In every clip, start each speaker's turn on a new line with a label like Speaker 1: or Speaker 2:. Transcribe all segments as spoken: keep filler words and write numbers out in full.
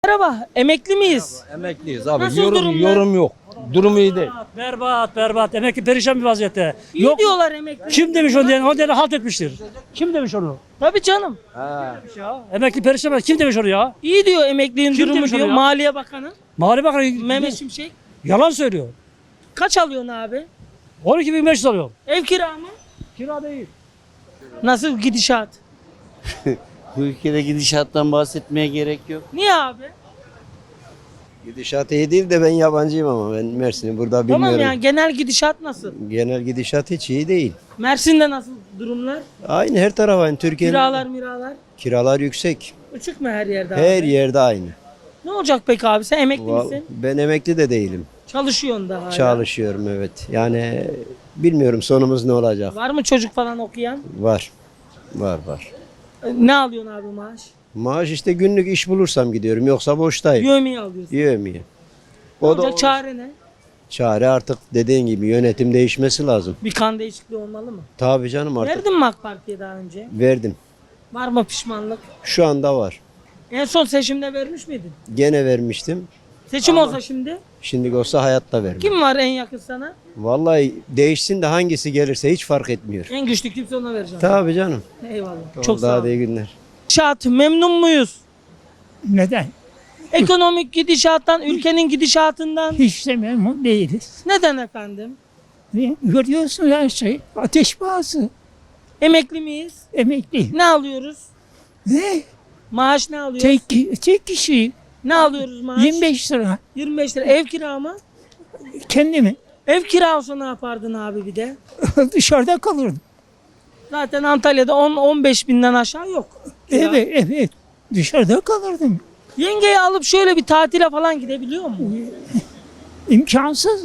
Speaker 1: Merhaba, emekli miyiz?
Speaker 2: Emekliyiz abi.
Speaker 1: Nasıl
Speaker 2: yorum
Speaker 1: durumlar?
Speaker 2: yorum yok. Durum iyi değil.
Speaker 3: Berbat berbat. Emekli perişan bir vaziyette.
Speaker 1: İyi
Speaker 3: Yok.
Speaker 1: diyorlar emekli.
Speaker 3: Kim demiş onu diyen? O diyen halt etmiştir. Kim demiş onu?
Speaker 1: Tabii canım.
Speaker 3: Ya, emekli perişan. Kim demiş onu ya?
Speaker 1: İyi diyor emekliğin
Speaker 3: Kim
Speaker 1: durumu
Speaker 3: demiş onu
Speaker 1: diyor.
Speaker 3: ya?
Speaker 1: Maliye Bakanı
Speaker 3: Mali Bakanı
Speaker 1: Mehmet Şimşek.
Speaker 3: yalan söylüyor.
Speaker 1: Kaç alıyorsun abi?
Speaker 3: on iki bin beş yüz alıyor.
Speaker 1: Ev kira mı?
Speaker 3: Kira değil.
Speaker 1: Nasıl gidişat?
Speaker 4: Bu ülkede gidişattan bahsetmeye gerek yok.
Speaker 1: Niye abi?
Speaker 5: Gidişat iyi değil de ben yabancıyım ama ben Mersin'i burada
Speaker 1: Tamam
Speaker 5: bilmiyorum.
Speaker 1: yani genel gidişat nasıl?
Speaker 5: Genel gidişat hiç iyi değil.
Speaker 1: Mersin'de nasıl durumlar?
Speaker 5: Aynı her taraf aynı. Türkiye'nin
Speaker 1: Kiralar miralar.
Speaker 5: kiralar yüksek.
Speaker 1: Uçuk mu her yerde abi?
Speaker 5: Her yerde aynı.
Speaker 1: Ne olacak peki abi? Sen emekli
Speaker 5: Val-
Speaker 1: misin?
Speaker 5: Ben emekli de değilim.
Speaker 1: Çalışıyorsun da hala.
Speaker 5: Çalışıyorum evet. Yani bilmiyorum sonumuz ne olacak.
Speaker 1: Var mı çocuk falan okuyan?
Speaker 5: Var. Var var.
Speaker 1: E, Ne alıyorsun abi maaş?
Speaker 5: Maaş işte günlük iş bulursam gidiyorum. Yoksa boştayım.
Speaker 1: Yövmeyi alıyorsun.
Speaker 5: Yiyemiyor.
Speaker 1: Ne
Speaker 5: O da
Speaker 1: olacak çare ne?
Speaker 5: çare artık dediğin gibi yönetim değişmesi lazım.
Speaker 1: Bir kan değişikliği olmalı mı?
Speaker 5: Tabii canım artık.
Speaker 1: Verdin mi AK Parti'ye daha önce?
Speaker 5: Verdim.
Speaker 1: Var mı pişmanlık?
Speaker 5: Şu anda var.
Speaker 1: En son seçimde vermiş miydin?
Speaker 5: Gene vermiştim.
Speaker 1: Seçim olsa şimdi
Speaker 5: Şimdi olsa hayatta vermem.
Speaker 1: kim var en yakın sana?
Speaker 5: Vallahi değişsin de hangisi gelirse hiç fark etmiyor.
Speaker 1: En güçlü kimse ona vereceğim.
Speaker 5: Tabii canım.
Speaker 1: Eyvallah.
Speaker 5: Çok
Speaker 1: Çok sağ
Speaker 5: daha
Speaker 1: ol.
Speaker 5: iyi günler.
Speaker 1: Gidişat memnun muyuz?
Speaker 6: Neden?
Speaker 1: Ekonomik gidişattan, ülkenin gidişatından.
Speaker 6: Hiç de memnun değiliz.
Speaker 1: Neden efendim?
Speaker 6: Niye? Görüyorsun her şey. Ateş pahası.
Speaker 1: Emekli miyiz?
Speaker 6: Emekli.
Speaker 1: Ne alıyoruz?
Speaker 6: Ne?
Speaker 1: Maaş ne alıyoruz?
Speaker 6: Tek, tek kişi.
Speaker 1: Ne alıyoruz maaş?
Speaker 6: yirmi beş lira.
Speaker 1: yirmi beş lira. Ev kira mı?
Speaker 6: Kendimi
Speaker 1: Ev kira olsa ne yapardın abi bir de?
Speaker 6: dışarıda kalırdım.
Speaker 1: Zaten Antalya'da on on beş binden aşağı yok. Kira.
Speaker 6: Evet, evet. Dışarıda kalırdım.
Speaker 1: Yengeyi alıp şöyle bir tatile falan gidebiliyor mu?
Speaker 6: İmkansız.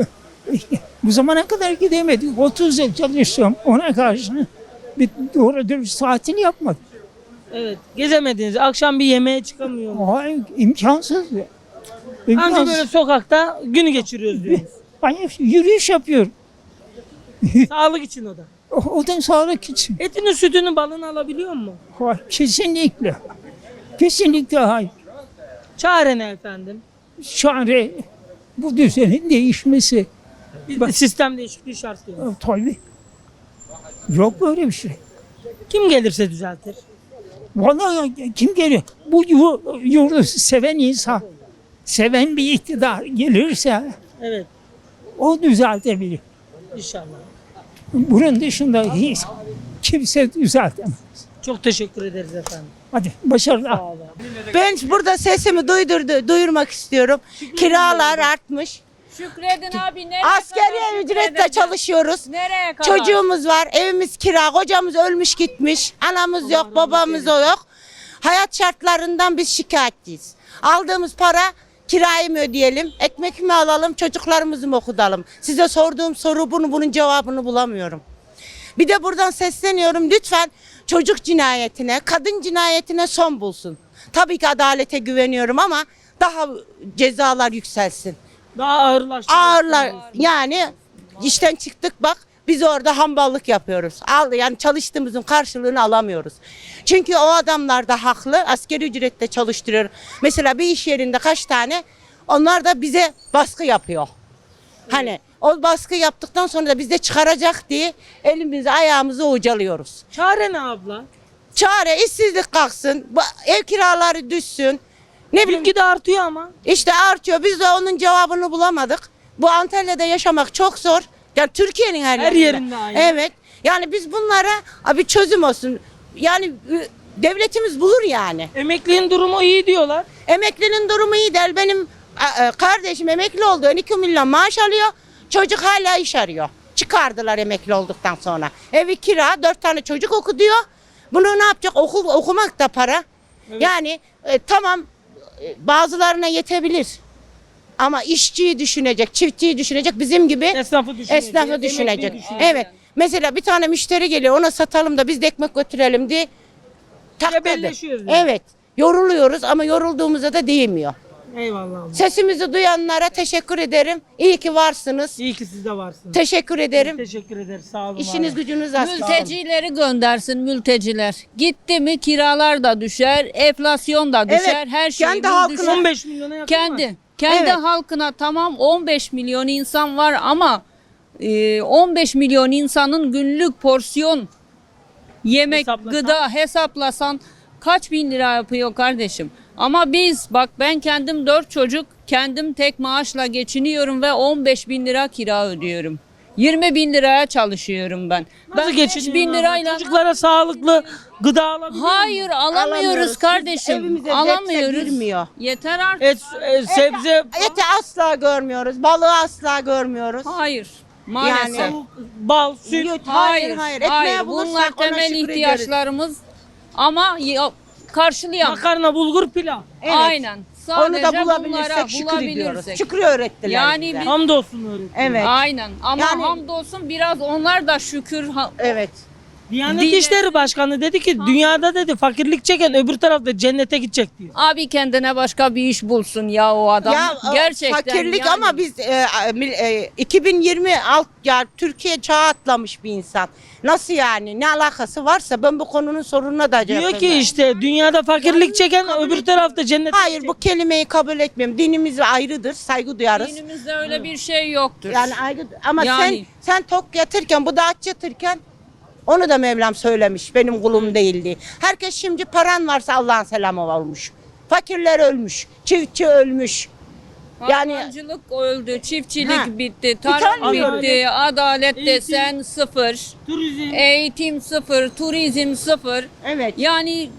Speaker 6: Bu zamana kadar gidemedik. otuz yıl çalıştım. Ona karşı bir doğru dürüst tatil yapmadım.
Speaker 1: Evet. Gezemediniz. Akşam bir yemeğe çıkamıyor mu?
Speaker 6: Hayır, imkansız.
Speaker 1: Anca
Speaker 6: İmkansız.
Speaker 1: böyle sokakta günü geçiriyoruz diyoruz.
Speaker 6: Ben yürüyüş yapıyorum.
Speaker 1: Sağlık için o da.
Speaker 6: O, o da sağlık için.
Speaker 1: Etini, sütünü, balını alabiliyor mu?
Speaker 6: Hayır, kesinlikle. Kesinlikle hayır.
Speaker 1: Çare ne efendim?
Speaker 6: Çare bu düzenin değişmesi.
Speaker 1: Bir sistem değişikliği şart diyor.
Speaker 6: Tabii. Yok böyle bir şey.
Speaker 1: Kim gelirse düzeltir.
Speaker 6: Vallahi kim geliyor? Bu yu- yurdu seven insan, seven bir iktidar gelirse
Speaker 1: Evet.
Speaker 6: o düzeltebilir.
Speaker 1: İnşallah.
Speaker 6: Bunun dışında hiç kimse düzeltemez.
Speaker 1: Çok teşekkür ederiz efendim.
Speaker 6: Hadi başarılar.
Speaker 7: Ben burada sesimi duydurdu, duyurmak istiyorum. Kiralar artmış.
Speaker 8: Şükredin abi, nereye
Speaker 7: Asgari
Speaker 8: kadar
Speaker 7: ücretle
Speaker 8: şükredeceğiz?
Speaker 7: çalışıyoruz.
Speaker 8: Nereye kadar?
Speaker 7: Çocuğumuz var, evimiz kira, kocamız ölmüş gitmiş, anamız yok, babamız yok. Hayat şartlarından biz şikayetçiyiz. Aldığımız para kirayı mı ödeyelim, ekmek mi alalım, çocuklarımızı mı okutalım? Size sorduğum soru bunu, bunun cevabını bulamıyorum. Bir de buradan sesleniyorum, lütfen çocuk cinayetine, kadın cinayetine son bulsun. Tabii ki adalete güveniyorum ama daha cezalar yükselsin.
Speaker 1: Daha ağırlaştı.
Speaker 7: Ağırlar yani işten çıktık bak biz orada hamballık yapıyoruz. Al yani çalıştığımızın karşılığını alamıyoruz. Çünkü o adamlar da haklı. Asgari ücretle çalıştırıyor. Mesela bir iş yerinde kaç tane onlar da bize baskı yapıyor. Hani o baskı yaptıktan sonra da biz de çıkaracak diye elimizi ayağımızı ucalıyoruz.
Speaker 1: Çare ne abla?
Speaker 7: Çare işsizlik kalksın, bu- ev kiraları düşsün. Ne bileyim
Speaker 1: Bilgi de artıyor ama.
Speaker 7: işte artıyor. Biz de onun cevabını bulamadık. Bu Antalya'da yaşamak çok zor. Yani Türkiye'nin her,
Speaker 1: Her
Speaker 7: yerinde.
Speaker 1: yerinde aynı.
Speaker 7: Evet. Yani biz bunlara abi çözüm olsun. Yani ü, devletimiz bulur yani.
Speaker 1: Emekliğin durumu iyi diyorlar.
Speaker 7: Emeklinin durumu iyi değil. Benim a, a, kardeşim emekli oldu. on iki milyon maaş alıyor. Çocuk hala iş arıyor. Çıkardılar emekli olduktan sonra. Evi kira, dört tane çocuk okutuyor. Bunu ne yapacak? Okul okumak da para. Yani e, tamam e, bazılarına yetebilir. Ama işçiyi düşünecek, çiftçiyi düşünecek, bizim gibi
Speaker 1: Esnafı düşünecek.
Speaker 7: esnafı
Speaker 1: emekliyi
Speaker 7: düşünecek.
Speaker 1: düşünecek.
Speaker 7: Evet. Mesela bir tane müşteri geliyor, ona satalım da biz de ekmek götürelim diye. Takladı.
Speaker 1: Cebelleşiyoruz yani.
Speaker 7: Evet. Yoruluyoruz ama yorulduğumuzda da değmiyor.
Speaker 1: Eyvallah abla.
Speaker 7: Sesimizi duyanlara teşekkür ederim. İyi ki varsınız.
Speaker 1: İyi ki siz de varsınız.
Speaker 7: Teşekkür ederim.
Speaker 1: Teşekkür ederiz. Sağ olun.
Speaker 7: İşiniz
Speaker 1: abi.
Speaker 7: gücünüz açsın.
Speaker 8: Mültecileri göndersin mülteciler. Gitti mi kiralar da düşer, enflasyon da düşer,
Speaker 7: Evet,
Speaker 8: her şey
Speaker 7: kendi halkına-
Speaker 8: düşer.
Speaker 1: on beş milyona yakın var.
Speaker 8: Kendi kendi
Speaker 7: Evet.
Speaker 8: halkına tamam on beş milyon insan var ama e, on beş milyon insanın günlük porsiyon yemek,
Speaker 1: Hesaplasan?
Speaker 8: gıda hesaplasan kaç bin lira yapıyor kardeşim? Ama biz bak ben kendim dört çocuk kendim tek maaşla geçiniyorum ve on beş bin lira kira ödüyorum. yirmi bin liraya çalışıyorum ben.
Speaker 1: Nasıl
Speaker 8: ben
Speaker 1: geçiniyorsun?
Speaker 8: beş bin lirayla
Speaker 1: Çocuklara sağlıklı gıda alabiliyor
Speaker 8: hayır alamıyoruz
Speaker 7: Alamıyoruz.
Speaker 8: kardeşim.
Speaker 7: Evimize zepse
Speaker 8: Alamıyoruz.
Speaker 7: girmiyor.
Speaker 8: Yeter artık.
Speaker 1: Et, e, sebze,
Speaker 7: Eti asla görmüyoruz. Balığı asla görmüyoruz.
Speaker 8: Hayır. Maalesef.
Speaker 7: Yani-
Speaker 1: tavuk, bal, süt.
Speaker 7: Süt,
Speaker 8: Hayır,
Speaker 7: hayır, hayır.
Speaker 8: hayır.
Speaker 7: Ekmeğe bulursak
Speaker 8: Bunlar
Speaker 7: ona
Speaker 8: temel
Speaker 7: şükür
Speaker 8: ihtiyaçlarımız ama ya- karşılayamıyoruz.
Speaker 1: Makarna, bulgur, pilav.
Speaker 7: Evet.
Speaker 8: Aynen.
Speaker 7: Onu
Speaker 8: Sadece
Speaker 7: da bulabilirsek
Speaker 8: bunlara
Speaker 7: şükür ediyoruz.
Speaker 8: bulabilirsek.
Speaker 7: Şükrü öğrettiler
Speaker 8: Yani
Speaker 7: bize.
Speaker 8: bir-
Speaker 1: Hamdolsun öğretmen.
Speaker 7: Evet.
Speaker 8: Aynen. Ama
Speaker 7: Yani-
Speaker 8: hamdolsun biraz onlar da şükür ha-
Speaker 7: Evet.
Speaker 1: Diyanet
Speaker 8: Dine-
Speaker 1: İşleri Başkanı dedi ki dünyada dedi fakirlik çeken öbür tarafta cennete gidecek diyor.
Speaker 8: abi kendine başka bir iş bulsun ya o adam.
Speaker 7: Ya o
Speaker 8: Gerçekten
Speaker 7: fakirlik
Speaker 8: yani.
Speaker 7: ama biz e, mil- e, iki bin yirmi alt ya Türkiye çağı atlamış bir insan. Nasıl yani? Ne alakası varsa ben bu konunun sorununa da cevap
Speaker 1: Diyor ki
Speaker 7: vermem.
Speaker 1: işte dünyada fakirlik çeken
Speaker 7: kabul
Speaker 1: öbür
Speaker 7: etmiyorum.
Speaker 1: tarafta cennete
Speaker 7: Hayır
Speaker 1: gidecek.
Speaker 7: bu kelimeyi kabul etmiyorum. Dinimiz ayrıdır. Saygı duyarız.
Speaker 8: Dinimizde öyle bir şey yoktur.
Speaker 7: Yani ayrı ama
Speaker 8: Yani.
Speaker 7: sen sen tok yatırken bu da aç yatırken onu da Mevlam söylemiş. Benim kulum değildi. Herkes şimdi paran varsa Allah'ın selamı olmuş. Fakirler ölmüş. Çiftçi ölmüş. Yani
Speaker 8: Hayvancılık öldü, çiftçilik
Speaker 7: Ha.
Speaker 8: bitti, tarım
Speaker 7: Utanmıyorum.
Speaker 8: bitti, adalet
Speaker 1: Eğitim.
Speaker 8: desen sıfır,
Speaker 1: Turizm.
Speaker 8: eğitim sıfır, turizm sıfır.
Speaker 7: evet.
Speaker 8: Yani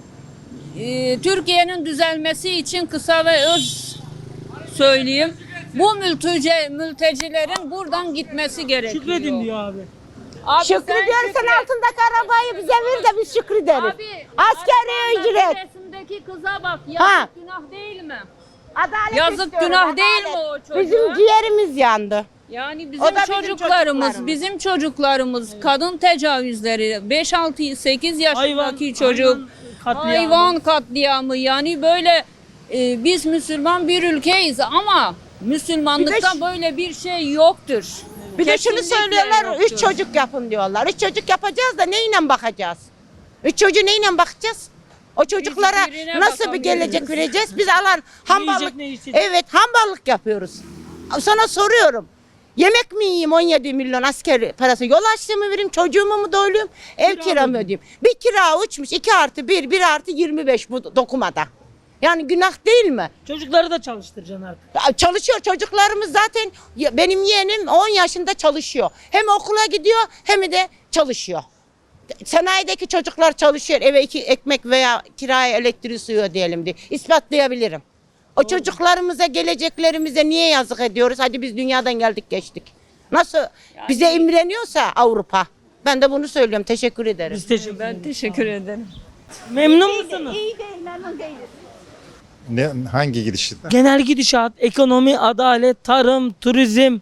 Speaker 8: e, Türkiye'nin düzelmesi için kısa ve öz söyleyeyim. Bu mülteci, mültecilerin buradan gitmesi gerekiyor.
Speaker 1: Şükredin diyor abi.
Speaker 8: Abi
Speaker 7: Şükrü diyorsan
Speaker 8: şükret.
Speaker 7: altındaki arabayı bize ver de biz şükrederiz.
Speaker 8: Abi,
Speaker 7: Askeri
Speaker 8: Almanya'da
Speaker 7: ücret.
Speaker 8: resimdeki kıza bak. Yazık
Speaker 7: Ha.
Speaker 8: günah değil mi?
Speaker 7: Adalet
Speaker 8: Yazık
Speaker 7: istiyoruz,
Speaker 8: günah değil mi
Speaker 7: adalet.
Speaker 8: o çocuğa?
Speaker 7: Bizim ciğerimiz yandı.
Speaker 8: Yani
Speaker 7: O
Speaker 8: bizim
Speaker 7: da bizim
Speaker 8: çocuklarımız,
Speaker 7: çocuklarımız.
Speaker 8: bizim çocuklarımız kadın tecavüzleri, beş altı sekiz yaşındaki çocuk
Speaker 1: katliamı.
Speaker 8: hayvan katliamı yani böyle e, biz Müslüman bir ülkeyiz ama Müslümanlıkta
Speaker 7: Bir de-
Speaker 8: böyle bir şey yoktur.
Speaker 7: Bir de şunu
Speaker 8: Kesinlikle
Speaker 7: söylüyorlar,
Speaker 8: yoktur.
Speaker 7: üç çocuk yapın diyorlar. Üç çocuk yapacağız da neyle bakacağız? Üç çocuğu neyle bakacağız? O çocuklara
Speaker 8: Hiçbirine
Speaker 7: nasıl bir
Speaker 8: bakamıyoruz.
Speaker 7: gelecek vereceğiz? Biz alan hamballık,
Speaker 1: yiyecek, ne içecek?
Speaker 7: evet hamballık yapıyoruz. Sana soruyorum. Yemek mi yiyeyim on yedi milyon asker parası? Yol açlığımı vereyim, çocuğumu mu doyurayım, ev
Speaker 1: Kira
Speaker 7: kiramı
Speaker 1: mı?
Speaker 7: ödeyeyim? Bir kira uçmuş, iki artı bir, bir artı yirmi beş bu dokumada. Yani günah değil mi?
Speaker 1: Çocukları da çalıştıracaksın artık.
Speaker 7: Ya çalışıyor çocuklarımız zaten ya benim yeğenim on yaşında çalışıyor. Hem okula gidiyor hem de çalışıyor. Sanayideki çocuklar çalışıyor eve iki ekmek veya kiraya elektriği suyu ödeyelim diye ispatlayabilirim. O çocuklarımıza geleceklerimize niye yazık ediyoruz? Hadi biz dünyadan geldik geçtik. Nasıl bize imreniyorsa Avrupa. Ben de bunu söylüyorum. Teşekkür ederim.
Speaker 1: Biz teşekkür
Speaker 8: Ben
Speaker 1: ederiz.
Speaker 8: teşekkür ederim.
Speaker 1: Memnun musunuz?
Speaker 7: İyi değil, memnun değiliz.
Speaker 9: Ne, hangi gidişle?
Speaker 1: Genel gidişat, ekonomi, adalet, tarım, turizm.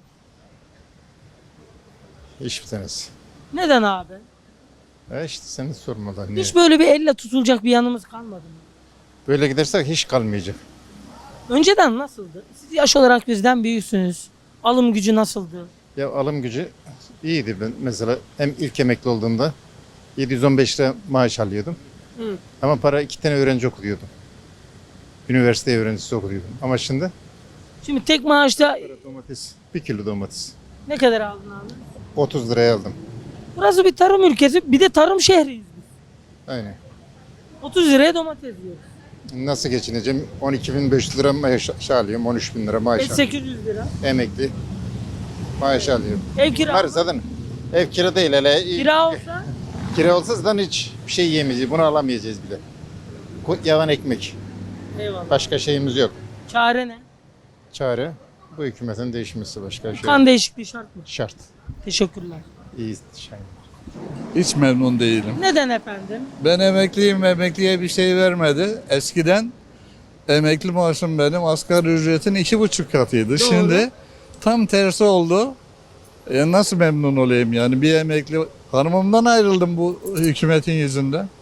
Speaker 9: Hiçbir tanesi.
Speaker 1: Neden abi?
Speaker 9: E işte seni sormadan. Niye?
Speaker 1: Hiç böyle bir elle tutulacak bir yanımız kalmadı mı?
Speaker 9: Böyle gidersek hiç kalmayacak.
Speaker 1: Önceden nasıldı? Siz yaş olarak bizden büyüksünüz. Alım gücü nasıldı?
Speaker 9: Ya alım gücü iyiydi. Ben mesela hem ilk emekli olduğumda yedi yüz on beş lira maaş alıyordum.
Speaker 1: Hı.
Speaker 9: Ama para iki tane öğrenci okutuyordum. Üniversite öğrencisi okutuyordum. Ama şimdi
Speaker 1: Şimdi tek maaşta
Speaker 9: domates, bir kilo domates.
Speaker 1: ne kadar aldın abi?
Speaker 9: otuz liraya aldım.
Speaker 1: Burası bir tarım ülkesi, bir de tarım şehriyiz biz.
Speaker 9: Aynen.
Speaker 1: otuz liraya domates yiyoruz.
Speaker 9: Nasıl geçineceğim? on iki bin beş yüz lira maaş alıyorum. on üç bin lira maaş
Speaker 1: Et
Speaker 9: alıyorum.
Speaker 1: sekiz yüz lira.
Speaker 9: Emekli maaş alıyorum.
Speaker 1: Ev kira.
Speaker 9: Var zaten. Ev kira değil hele.
Speaker 1: Kira olsa
Speaker 9: Kira olsa zaten hiç bir şey yiyemeyeceğiz. Bunu alamayacağız bile. Ku- Yavan ekmek.
Speaker 1: eyvallah.
Speaker 9: Başka şeyimiz yok.
Speaker 1: Çare ne?
Speaker 9: Çare bu hükümetin değişmesi başka şey
Speaker 1: Kan değişikliği şart mı?
Speaker 9: şart.
Speaker 1: Teşekkürler.
Speaker 9: İyi şey.
Speaker 10: Hiç memnun değilim.
Speaker 1: Neden efendim?
Speaker 10: Ben emekliyim, emekliye bir şey vermedi. Eskiden emekli maaşım benim asgari ücretin iki buçuk katıydı. Şimdi tam tersi oldu. E nasıl memnun olayım yani bir emekli hanımımdan ayrıldım bu hükümetin yüzünden.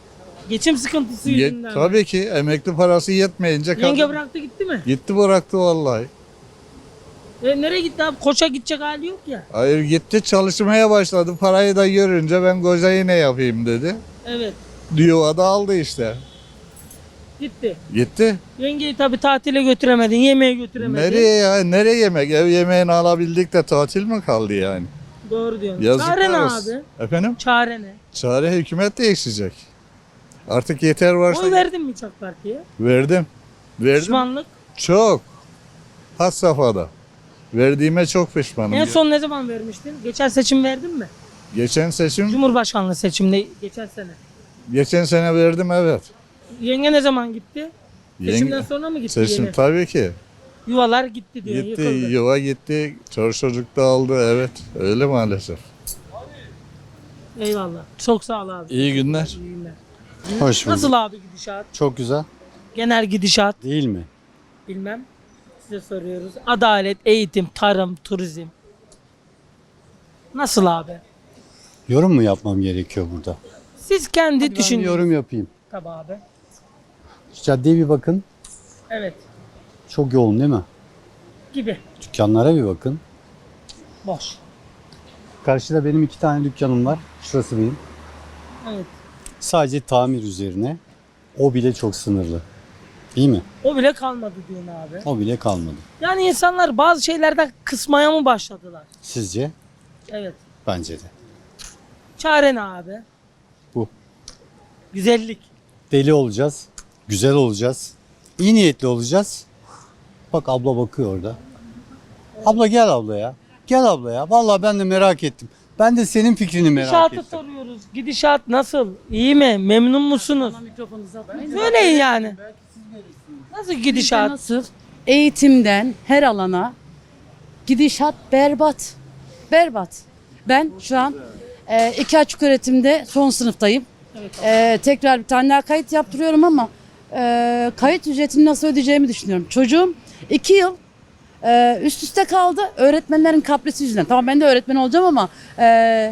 Speaker 1: Geçim sıkıntısı
Speaker 10: Ye-
Speaker 1: yüzünden. mi?
Speaker 10: tabii ki emekli parası yetmeyince kadın
Speaker 1: Yenge bıraktı gitti mi?
Speaker 10: gitti bıraktı vallahi.
Speaker 1: E, nereye gitti abi? Koça gidecek hali yok ya.
Speaker 10: Hayır gitti çalışmaya başladı. Parayı da görünce ben kocayı ne yapayım dedi.
Speaker 1: Evet.
Speaker 10: Yuva da aldı işte.
Speaker 1: Gitti.
Speaker 10: Gitti.
Speaker 1: Yengeyi tabii tatile götüremedin, yemeğe götüremedin.
Speaker 10: Nereye ya? Nereye yemek? Ev yemeğini alabildik de tatil mi kaldı yani?
Speaker 1: Doğru diyorsun.
Speaker 10: Yazıklar
Speaker 1: Çare ne
Speaker 10: olsun.
Speaker 1: abi?
Speaker 10: Efendim?
Speaker 1: Çare ne?
Speaker 10: Çare hükümet değişecek. Artık yeter varsa
Speaker 1: Oy verdin mi hiç AK Parti'ye?
Speaker 10: verdim. Verdim.
Speaker 1: Pişmanlık.
Speaker 10: Çok. Had safhada. Verdiğime çok pişmanım.
Speaker 1: En son ne zaman vermiştin? Geçen seçim verdin mi?
Speaker 10: Geçen seçim,
Speaker 1: Cumhurbaşkanlığı seçimde geçen sene.
Speaker 10: geçen sene verdim evet.
Speaker 1: Yenge ne zaman gitti? Seçimden
Speaker 10: Yenge,
Speaker 1: sonra mı gitti
Speaker 10: seçim
Speaker 1: yenge?
Speaker 10: tabii ki.
Speaker 1: Yuvalar gitti diyor.
Speaker 10: Gitti,
Speaker 1: yıkıldı.
Speaker 10: yuva gitti, çocuk çocuk da aldı evet. Öyle maalesef.
Speaker 1: Eyvallah. Çok sağ ol abi.
Speaker 10: İyi günler.
Speaker 1: İyi günler.
Speaker 2: Hoş
Speaker 1: Nasıl abi gidişat?
Speaker 2: Çok güzel.
Speaker 1: Genel gidişat
Speaker 2: Değil mi?
Speaker 1: bilmem. Size soruyoruz. Adalet, eğitim, tarım, turizm. Nasıl abi?
Speaker 2: Yorum mu yapmam gerekiyor burada?
Speaker 1: Siz kendi
Speaker 2: Ben
Speaker 1: düşünün.
Speaker 2: yorum yapayım.
Speaker 1: Tabii abi.
Speaker 2: Şu caddeye bir bakın.
Speaker 1: Evet.
Speaker 2: Çok yoğun değil mi?
Speaker 1: Gibi.
Speaker 2: Dükkanlara bir bakın.
Speaker 1: Boş.
Speaker 2: Karşıda benim iki tane dükkanım var. Şurası benim.
Speaker 1: Evet.
Speaker 2: Sadece tamir üzerine. O bile çok sınırlı. Değil mi?
Speaker 1: O bile kalmadı diyorsun abi.
Speaker 2: O bile kalmadı.
Speaker 1: Yani insanlar bazı şeylerden kısmaya mı başladılar?
Speaker 2: Sizce?
Speaker 1: Evet.
Speaker 2: Bence de.
Speaker 1: Çare ne abi?
Speaker 2: Bu.
Speaker 1: Güzellik.
Speaker 2: Deli olacağız. Güzel olacağız. İyi niyetli olacağız. Bak abla bakıyor orada. Abla gel abla ya. Gel abla ya. Vallahi ben de merak ettim. Ben de senin fikrini merak
Speaker 1: Gidişatı
Speaker 2: ettim.
Speaker 1: soruyoruz. Gidişat nasıl? İyi mi? Memnun musunuz? Söyleyin yani. Nasıl gidişat?
Speaker 11: Nasıl? Eğitimden her alana gidişat berbat. Berbat. Ben şu an e, iki açık öğretimde son sınıftayım. E, tekrar bir tane daha kayıt yaptırıyorum ama e, kayıt ücretini nasıl ödeyeceğimi düşünüyorum. Çocuğum iki yıl e, üst üste kaldı öğretmenlerin kaprisi yüzünden. Tamam ben de öğretmen olacağım ama e,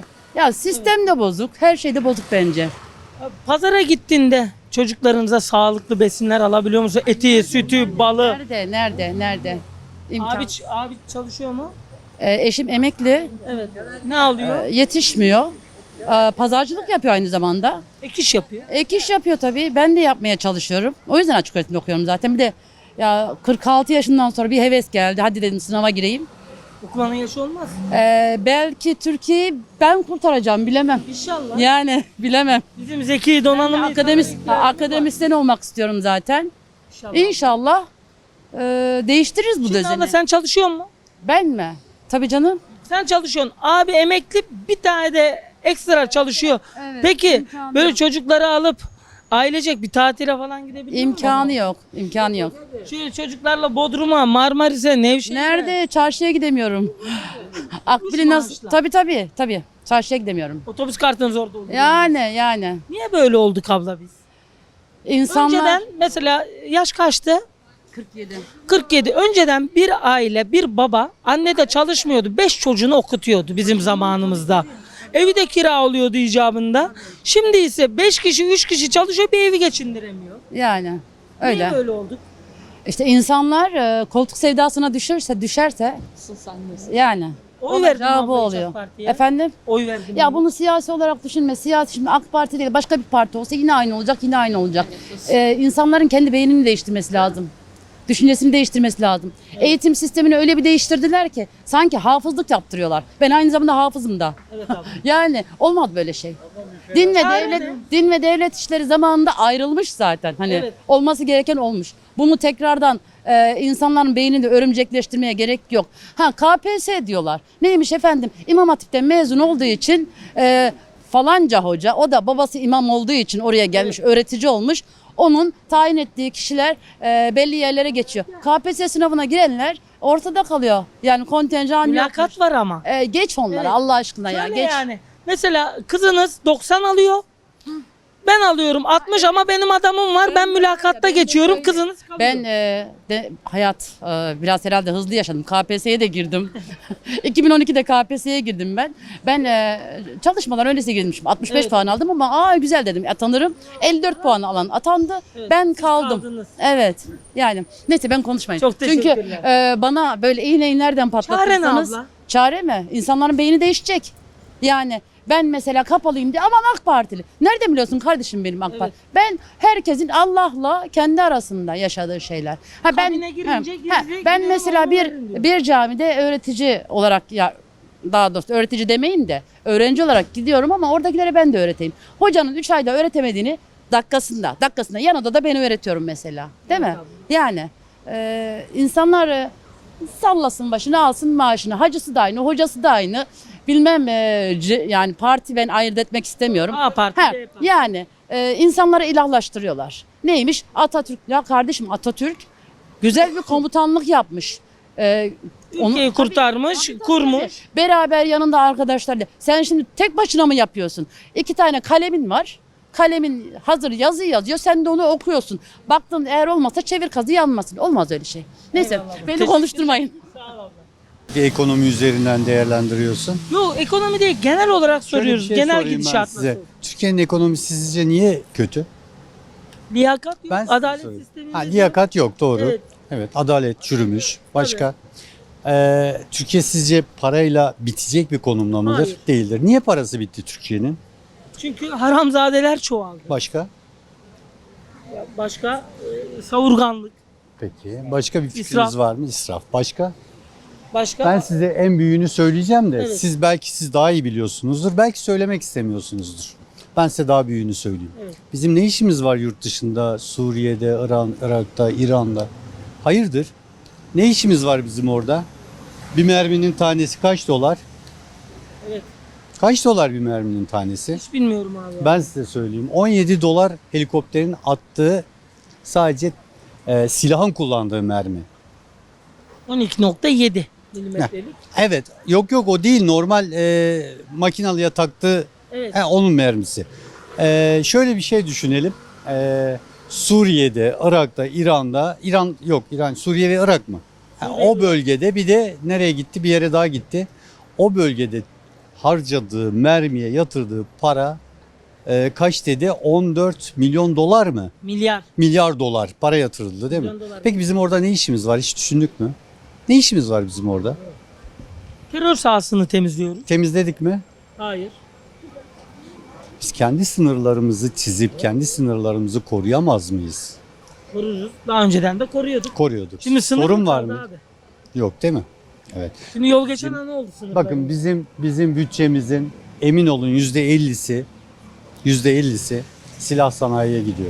Speaker 11: ya sistem de bozuk. Her şey de bozuk bence.
Speaker 1: Pazara gittiğinde çocuklarınıza sağlıklı besinler alabiliyor musun? Eti, sütü, balı.
Speaker 11: Nerede? Nerede? Nerede? İmkan.
Speaker 1: Abi, abi çalışıyor mu?
Speaker 11: E, eşim emekli.
Speaker 1: Evet. Ne alıyor?
Speaker 11: Ee, yetişmiyor. Ee, Pazarcılık yapıyor aynı zamanda.
Speaker 1: Ek iş yapıyor.
Speaker 11: Ek iş yapıyor tabii. Ben de yapmaya çalışıyorum. O yüzden açık öğretimde okuyorum zaten. Bir de ya kırk altı yaşından sonra bir heves geldi. Hadi dedim sınava gireyim.
Speaker 1: Okumanın yaşı olmaz.
Speaker 11: Ee, belki Türkiye'yi ben kurtaracağım bilemem.
Speaker 1: İnşallah.
Speaker 11: Yani bilemem.
Speaker 1: Bizim zeki donanımlı
Speaker 11: Akademis,
Speaker 1: insanlar-
Speaker 11: akademisyen olmak istiyorum zaten.
Speaker 1: İnşallah.
Speaker 11: İnşallah e, değiştiririz bu
Speaker 1: Şimdi
Speaker 11: düzeni.
Speaker 1: abla sen çalışıyor musun?
Speaker 11: Ben mi? Tabii canım.
Speaker 1: Sen çalışıyorsun. Abi emekli bir tane de ekstra çalışıyor.
Speaker 11: Evet,
Speaker 1: Peki
Speaker 11: imkanı
Speaker 1: böyle
Speaker 11: yok.
Speaker 1: çocukları alıp ailecek bir tatile falan gidebiliyor musun?
Speaker 11: İmkanı yok. İmkanı yok.
Speaker 1: Şöyle çocuklarla Bodrum'a, Marmaris'e, Nevşehir'e.
Speaker 11: Nerede? Çarşıya gidemiyorum. Akbil'i nasıl?
Speaker 1: maaşla.
Speaker 11: Tabii tabii tabii. Çarşıya gidemiyorum.
Speaker 1: Otobüs kartınız orada oluyor.
Speaker 11: Yani yani.
Speaker 1: Niye böyle olduk abla biz?
Speaker 11: İnsanlar
Speaker 1: Önceden mesela yaş kaçtı?
Speaker 11: kırk yedi.
Speaker 1: kırk yedi. Önceden bir aile, bir baba, anne de çalışmıyordu. beş çocuğunu okutuyordu bizim zamanımızda. Evi de kira oluyordu icabında. Şimdi ise beş kişi, üç kişi çalışıyor, bir evi geçindiremiyor.
Speaker 11: Yani öyle.
Speaker 1: Niye böyle olduk?
Speaker 11: İşte insanlar e, koltuk sevdasına düşürse düşerse yani
Speaker 1: Oy verdim
Speaker 11: olacağı
Speaker 1: abla
Speaker 11: bu
Speaker 1: hiç
Speaker 11: oluyor.
Speaker 1: AK Parti'ye.
Speaker 11: Efendim?
Speaker 1: Oy verdim.
Speaker 11: Ya bunu siyasi olarak düşünme. Siyasi şimdi AK Parti değil başka bir parti olsa yine aynı olacak yine aynı olacak. Ee, insanların kendi beynini değiştirmesi lazım. Düşüncesini değiştirmesi lazım. Eğitim sistemini öyle bir değiştirdiler ki sanki hafızlık yaptırıyorlar. Ben aynı zamanda hafızım da.
Speaker 1: Evet abi.
Speaker 11: Yani olmaz böyle şey. Din ve
Speaker 1: Çare
Speaker 11: devlet
Speaker 1: ne?
Speaker 11: din ve devlet işleri zamanında ayrılmış zaten. Hani
Speaker 1: Evet.
Speaker 11: olması gereken olmuş. Bunu tekrardan e, insanların beynini örümcekleştirmeye gerek yok. Ha K P S S diyorlar. Neymiş efendim? İmam Hatip'ten mezun olduğu için e, falanca hoca o da babası imam olduğu için oraya gelmiş öğretici olmuş. Onun tayin ettiği kişiler e, belli yerlere geçiyor. K P S S sınavına girenler ortada kalıyor. Yani kontenjan
Speaker 1: Mülakat
Speaker 11: yokmuş.
Speaker 1: var ama.
Speaker 11: E, geç onlara
Speaker 1: Evet.
Speaker 11: Allah aşkına ya
Speaker 1: Şöyle
Speaker 11: geç.
Speaker 1: yani. Mesela kızınız doksan alıyor. Ben alıyorum altmış ama benim adamım var. Ben mülakatta geçiyorum. Kızınız kalıyor.
Speaker 11: Ben e, de hayat e, biraz herhalde hızlı yaşadım. K P S S'ye de girdim. iki bin on ikide K P S S'ye girdim ben. Ben e, çalışmadan öncesi girmişim. altmış beş
Speaker 1: Evet.
Speaker 11: puan aldım ama aa güzel dedim atanırım. elli dört puan alan atandı.
Speaker 1: Evet,
Speaker 11: Ben
Speaker 1: siz
Speaker 11: kaldım.
Speaker 1: kaldınız.
Speaker 11: Evet. Yani neyse ben konuşmayayım.
Speaker 1: Çok
Speaker 11: Çünkü
Speaker 1: teşekkürler.
Speaker 11: e, bana böyle iğneyi nereden patlatırsanız.
Speaker 1: Çare ne abla?
Speaker 11: Çare mi? İnsanların beyni değişecek. Yani ben mesela kapalıyım diye aman AK Partili. Nereden biliyorsun kardeşim benim AK
Speaker 1: Evet.
Speaker 11: Parti? Ben herkesin Allah'la kendi arasında yaşadığı şeyler. Ha ben
Speaker 1: Kabine girince
Speaker 11: ha,
Speaker 1: gizli
Speaker 11: ha, ben
Speaker 1: gidelim
Speaker 11: mesela
Speaker 1: ona
Speaker 11: bir
Speaker 1: verin diyor.
Speaker 11: bir camide öğretici olarak ya daha doğrusu öğretici demeyin de öğrenci olarak gidiyorum ama oradakilere ben de öğreteyim. Hocanın üç ayda öğretemediğini dakikasında, dakikasında yan odada ben öğretiyorum mesela. Değil mi? Yani e, insanlar e, sallasın başını alsın maaşını. Hacısı da aynı, hocası da aynı. Bilmem e, c- yani parti ben ayırt etmek istemiyorum.
Speaker 1: A parti,
Speaker 11: Ha,
Speaker 1: B parti.
Speaker 11: yani e, insanları ilahlaştırıyorlar. Neymiş? Atatürk. Ya kardeşim Atatürk güzel bir komutanlık yapmış. E,
Speaker 1: Ülkeyi kurtarmış, kurmuş.
Speaker 11: Beraber yanında arkadaşlarla. Sen şimdi tek başına mı yapıyorsun? İki tane kalemin var. Kalemin hazır yazı yazıyor. Sen de onu okuyorsun. Baktın eğer olmasa çevir kazı yanmasın. Olmaz öyle şey. Neyse beni
Speaker 1: Teşekkür
Speaker 11: konuşturmayın.
Speaker 2: Bir ekonomi üzerinden değerlendiriyorsun.
Speaker 1: Yok ekonomi değil genel olarak
Speaker 2: Şöyle bir
Speaker 1: soruyoruz.
Speaker 2: şey
Speaker 1: Genel
Speaker 2: sorayım ben
Speaker 1: gidişat
Speaker 2: size.
Speaker 1: nasıl?
Speaker 2: Türkiye'nin ekonomisi sizce niye kötü?
Speaker 1: Liyakat yok,
Speaker 2: Ben size
Speaker 1: adalet
Speaker 2: söyleyeyim.
Speaker 1: sistemi.
Speaker 2: Ha, liyakat yok, doğru.
Speaker 1: Evet.
Speaker 2: Evet, adalet çürümüş. Başka? Ee, Türkiye sizce parayla bitecek bir konumda mıdır?
Speaker 1: Hayır.
Speaker 2: Değildir. Niye parası bitti Türkiye'nin?
Speaker 1: Çünkü haramzadeler çoğaldı.
Speaker 2: Başka?
Speaker 1: Başka e, savurganlık.
Speaker 2: Peki. Başka bir fikriniz
Speaker 1: İsraf.
Speaker 2: var mı? İsraf. Başka?
Speaker 1: Başka
Speaker 2: Ben size en büyüğünü söyleyeceğim de
Speaker 1: Evet.
Speaker 2: siz belki siz daha iyi biliyorsunuzdur. Belki söylemek istemiyorsunuzdur. Ben size daha büyüğünü söyleyeyim.
Speaker 1: Evet.
Speaker 2: Bizim ne işimiz var yurt dışında, Suriye'de, İran, Irak'ta, İran'da? Hayırdır? Ne işimiz var bizim orada? Bir merminin tanesi kaç dolar?
Speaker 1: Evet.
Speaker 2: Kaç dolar bir merminin tanesi?
Speaker 1: hiç bilmiyorum abi.
Speaker 2: Ben size söyleyeyim. on yedi dolar helikopterin attığı sadece e, silahın kullandığı mermi.
Speaker 1: on iki nokta yedi milimetrelik.
Speaker 2: Evet. Yok yok o değil. Normal e, makinalıya taktığı
Speaker 1: Evet.
Speaker 2: he, onun mermisi. E, şöyle bir şey düşünelim. E, Suriye'de, Irak'ta, İran'da, İran yok İran, Suriye ve Irak mı? Ha,
Speaker 1: Suriye
Speaker 2: o bölgede bir de nereye gitti? Bir yere daha gitti. O bölgede harcadığı, mermiye yatırdığı para e, kaç dedi? on dört milyon dolar mı?
Speaker 1: Milyar.
Speaker 2: Milyar dolar para yatırıldı değil mi?
Speaker 1: Milyon dolar.
Speaker 2: Peki bizim orada ne işimiz var? Hiç düşündük mü? Ne işimiz var bizim orada?
Speaker 1: Terör sahasını temizliyoruz.
Speaker 2: Temizledik mi?
Speaker 1: Hayır.
Speaker 2: Biz kendi sınırlarımızı çizip kendi sınırlarımızı koruyamaz mıyız?
Speaker 1: Koruruz. Daha önceden de koruyorduk.
Speaker 2: Koruyorduk.
Speaker 1: Şimdi sınır
Speaker 2: Sorun
Speaker 1: mı
Speaker 2: var
Speaker 1: kaldı
Speaker 2: mı?
Speaker 1: abi?
Speaker 2: Yok değil mi? Evet.
Speaker 1: Şimdi yol geçen an ne oldu sınırda?
Speaker 2: Bakın bizim bizim bütçemizin emin olun yüzde ellisi yüzde ellisi silah sanayiye gidiyor.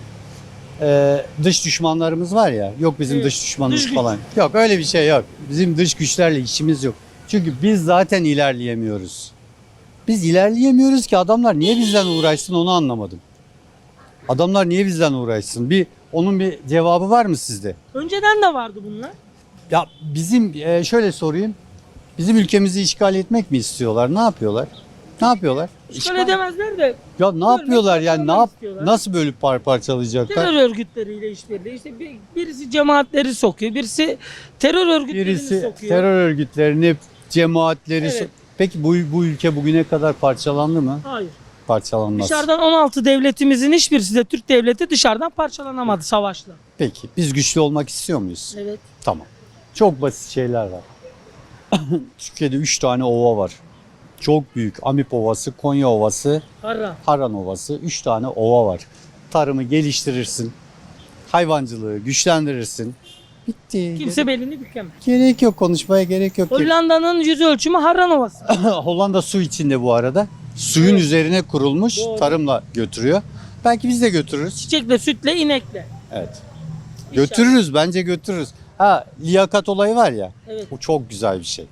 Speaker 2: Ee, dış düşmanlarımız var ya. Yok bizim
Speaker 1: Evet.
Speaker 2: dış düşmanımız
Speaker 1: Dış güç.
Speaker 2: falan. Yok öyle bir şey yok. Bizim dış güçlerle işimiz yok. Çünkü biz zaten ilerleyemiyoruz. Biz ilerleyemiyoruz ki adamlar niye bizden uğraşsın onu anlamadım. Adamlar niye bizden uğraşsın? Bir onun bir cevabı var mı sizde?
Speaker 1: Önceden de vardı bunlar.
Speaker 2: Ya bizim e, şöyle sorayım. Bizim ülkemizi işgal etmek mi istiyorlar? Ne yapıyorlar? Ne yapıyorlar?
Speaker 1: Şöyle edemezler de
Speaker 2: Ya ne yapıyorlar yani? Ne yap
Speaker 1: istiyorlar.
Speaker 2: nasıl bölüp par parçalayacaklar?
Speaker 1: terör örgütleriyle işbirliği. İşte bir, birisi cemaatleri sokuyor, birisi terör örgütlerini
Speaker 2: Birisi
Speaker 1: sokuyor.
Speaker 2: terör örgütlerini, cemaatleri.
Speaker 1: Evet.
Speaker 2: so- Peki bu bu ülke bugüne kadar parçalandı mı?
Speaker 1: Hayır.
Speaker 2: Parçalanmaz.
Speaker 1: Dışarıdan on altı devletimizin hiçbirisi de Türk devleti dışarıdan parçalanamadı savaşla.
Speaker 2: Peki biz güçlü olmak istiyor muyuz?
Speaker 1: Evet.
Speaker 2: Tamam. Çok basit şeyler var. Türkiye'de üç tane ova var. Çok büyük. Amip Ovası, Konya Ovası,
Speaker 1: Harra.
Speaker 2: Haran Ovası. Üç tane ova var. Tarımı geliştirirsin. Hayvancılığı güçlendirirsin. Bitti.
Speaker 1: Kimse belini bükemez.
Speaker 2: Gerek yok konuşmaya gerek yok.
Speaker 1: Hollanda'nın yüz ölçümü Harran Ovası.
Speaker 2: Hollanda su içinde bu arada. Suyun
Speaker 1: Evet.
Speaker 2: üzerine kurulmuş.
Speaker 1: Doğru.
Speaker 2: Tarımla götürüyor. Belki biz de götürürüz.
Speaker 1: Çiçekle, sütle, inekle.
Speaker 2: Evet. Götürürüz bence götürürüz. Ha liyakat olayı var ya.
Speaker 1: Evet.
Speaker 2: Bu çok güzel bir şey.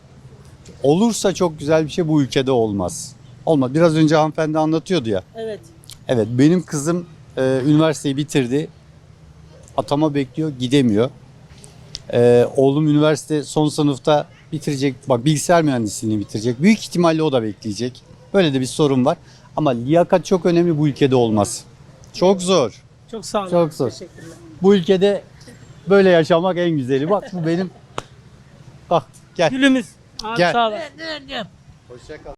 Speaker 2: Olursa çok güzel bir şey bu ülkede olmaz. Olmaz. Biraz önce hanımefendi anlatıyordu ya.
Speaker 1: Evet.
Speaker 2: Evet benim kızım e, üniversiteyi bitirdi. Atama bekliyor gidemiyor. E, oğlum üniversite son sınıfta bitirecek. Bak bilgisayar mühendisliğini bitirecek. Büyük ihtimalle o da bekleyecek. Böyle de bir sorun var. Ama liyakat çok önemli, bu ülkede olmaz. Çok zor.
Speaker 1: Çok sağ olun.
Speaker 2: Çok zor.
Speaker 1: Teşekkürler.
Speaker 2: Bu ülkede böyle yaşamak en güzeli. Bak bu benim. Bak gel.
Speaker 1: Gülümüz. Abi
Speaker 2: Gel.
Speaker 1: sağ olun.
Speaker 2: Hoşça kal.